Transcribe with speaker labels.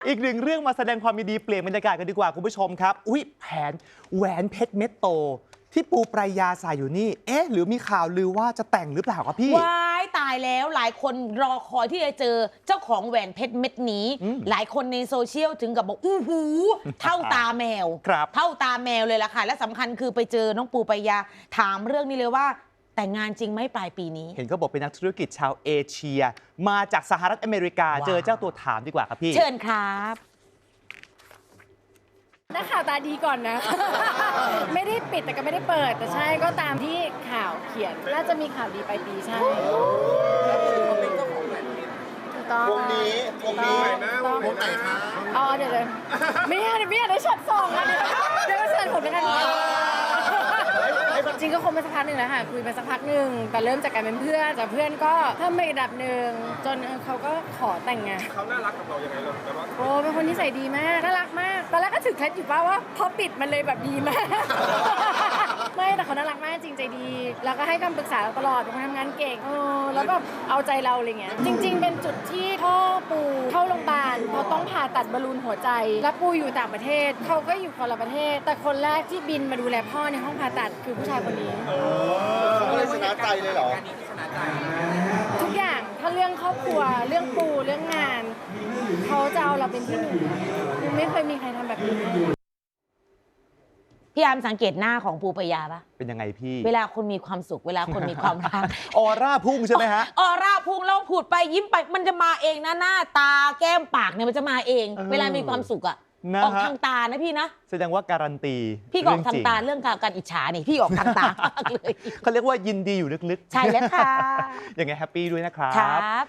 Speaker 1: อีกหนึ่งเรื่องมาแสดงความยินดีเปลี่ยนบรรยากาศกันดีกว่าคุณผู้ชมครับอุ๊ยแหวนเพชรเม็ดโตที่ปูปรายาใส่อยู่นี่หรือมีข่าวลือว่าจะแต่งหรือเปล่าครับพี่
Speaker 2: ว้ายตายแล้วหลายคนรอคอยที่จะเจอเจ้าของแหวนเพชรเม็ดนี้หลายคนในโซเชียลถึงกับบอกอู้หูเท่าตาแมวเท่าตาแมวเลยล่ะค่ะและสำคัญคือไปเจอน้องปูปรายาถามเรื่องนี้เลยว่าแต่งงานจริงไหมปลายปีนี้
Speaker 1: เห็นเขาบอกเป็นนักธุรกิจชาวเอเชียมาจากสหรัฐอเมริกาเจอเจ้าตัวถามดีกว่าครับพี่
Speaker 2: เชิญครับ
Speaker 3: นักข่าวตาดีก่อนนะ ไม่ได้ปิดแต่ก็ไม่ได้เปิดแต่ใช่ก็ตามที่ข่าวเขียนน่าจะมีข่าวดีปลายปีใช่ถูกต้องวงนี้วงไหนคะอ๋อเดี๋ยวไม่อยากได้ช็อตสองนะเดี๋ยวเชิญผมด้วยกันจริงก็คงไปสักพักหนึ่งแล้วค่ะคุยไปสักพักหนึ่งแต่เริ่มจากการเป็นเพื่อนจากเพื่อนก็เพิ่มไปอีกระดับหนึ่งจนเขาก็ขอแต่งงาน
Speaker 4: เขาน่ารักกับเรายังไงเราแบบว่า
Speaker 3: โอ้เป็นคนนิสัยดีมากน่ารักมากตอนแรกก็ถึงเคล็ดอยู่ป่าว่าพอปิดมันเลยแบบดีมากไม่แต่เขาน่ารักมากจริงใจดีแล้วก็ให้คำปรึกษาเราตลอดเป็นคนทำงานเก่งแล้วก็เอาใจเราอะไรเงี้ยจริงๆเป็นจุดที่พ่อปูเข้าโรงพยาบาลเพราะต้องผ่าตัดบอลลูนหัวใจแล้วปูอยู่ต่างประเทศเขาก็อยู่คนละประเทศแต่คนแรกที่บินมาดูแลพ่อในห้องผ่าตัดคือผู้ชายคนนี้
Speaker 4: เขาเลยชนะใจเลยเหรอ
Speaker 3: ทุกอย่างถ้าเรื่องครอบครัวเรื่องปูเรื่องงานเขาจะเอาเราเป็นที่หนึ่งยังไม่เคยมีใครทำแบบนี้
Speaker 2: พี่อาร์มสังเกตหน้าของปูปรายาปะ
Speaker 1: เป็นยังไงพี่
Speaker 2: เวลาคนมีความสุขเวลาคนมีความรัก
Speaker 1: ออร่าพุ่งใช่ไหมฮะ
Speaker 2: ออร่าพุ่งแล้วพูดไปยิ้มไปมันจะมาเองนะหน้าตาแก้มปากเนี่ยมันจะมาเองเวลามีความสุขอะออกทางตานะพี่นะ
Speaker 1: แสดงว่าการันตี
Speaker 2: พี่ออกทางตาเรื่องการอิจฉานี่พี่ออกทางตาเลย
Speaker 1: เขาเรียกว่ายินดีอยู่ลึก
Speaker 2: ๆใช่แล้วค่ะ
Speaker 1: ยังไงแฮปปี้ด้วยนะครับ